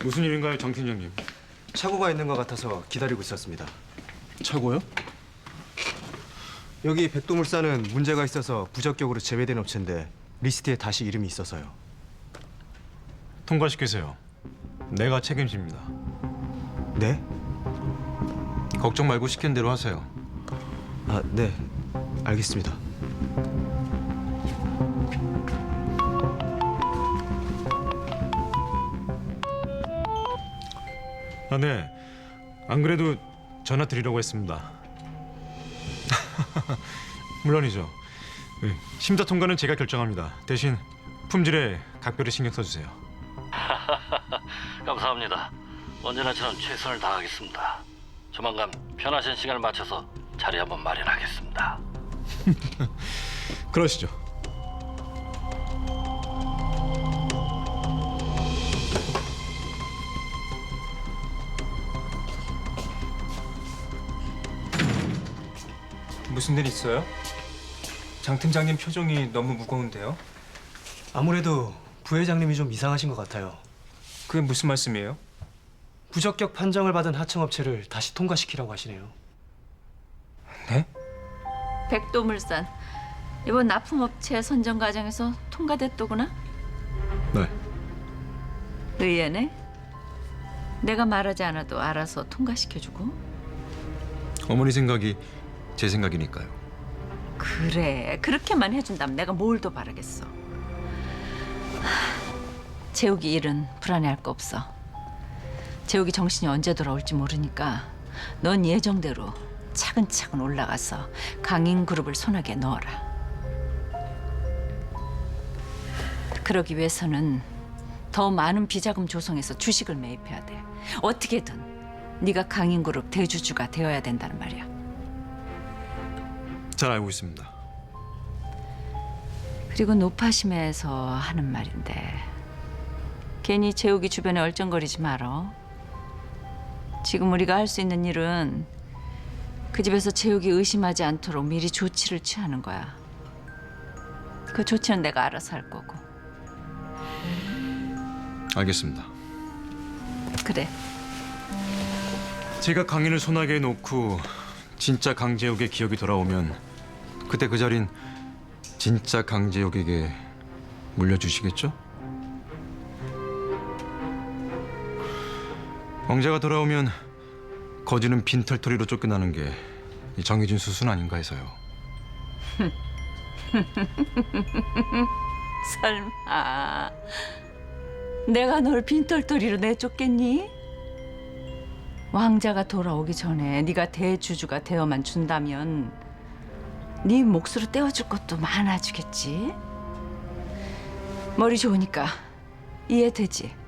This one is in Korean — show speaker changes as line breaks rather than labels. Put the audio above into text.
무슨 일인가요, 정 팀장님?
착오가 있는 것 같아서 기다리고 있었습니다.
착오요?
여기 백도물산은 문제가 있어서 부적격으로 제외된 업체인데 리스트에 다시 이름이 있어서요.
통과시키세요. 내가 책임집니다.
네?
걱정 말고 시킨 대로 하세요.
아, 네. 알겠습니다.
아, 네. 안 그래도 전화 드리려고 했습니다. 물론이죠. 심사 통과는 제가 결정합니다. 대신 품질에 각별히 신경 써주세요.
감사합니다. 언제나처럼 최선을 다하겠습니다. 조만간 편하신 시간을 맞춰서 자리 한번 마련하겠습니다.
그러시죠.
무슨 일 있어요? 장 팀장님 표정이 너무 무거운데요?
아무래도 부회장님이 좀 이상하신 것 같아요.
그게 무슨 말씀이에요?
부적격 판정을 받은 하청업체를 다시 통과시키라고 하시네요.
네?
백도물산 이번 납품업체 선정 과정에서 통과됐더구나.
네.
의외네. 내가 말하지 않아도 알아서 통과시켜주고.
어머니 생각이 제 생각이니까요.
그래, 그렇게만 해준다면 내가 뭘 더 바라겠어. 재욱이 일은 불안해할 거 없어. 재욱이 정신이 언제 돌아올지 모르니까 넌 예정대로 차근차근 올라가서 강인그룹을 손아귀에 넣어라. 그러기 위해서는 더 많은 비자금 조성해서 주식을 매입해야 돼. 어떻게든 네가 강인그룹 대주주가 되어야 된다는 말이야.
잘 알고 있습니다.
그리고 노파심에서 하는 말인데 괜히 재욱이 주변에 얼쩡거리지 말어. 지금 우리가 할 수 있는 일은 그 집에서 재욱이 의심하지 않도록 미리 조치를 취하는 거야. 그 조치는 내가 알아서 할 거고.
알겠습니다.
그래.
제가 강인을 손아귀에 놓고 진짜 강재욱의 기억이 돌아오면 그때 그 자린 진짜 강재욱에게 물려주시겠죠? 왕자가 돌아오면 거지는 빈털터리로 쫓겨나는 게 정해진 수순 아닌가 해서요.
설마 내가 널 빈털터리로 내쫓겠니? 왕자가 돌아오기 전에 네가 대주주가 되어만 준다면 네 몫으로 떼어줄 것도 많아지겠지. 머리 좋으니까 이해되지?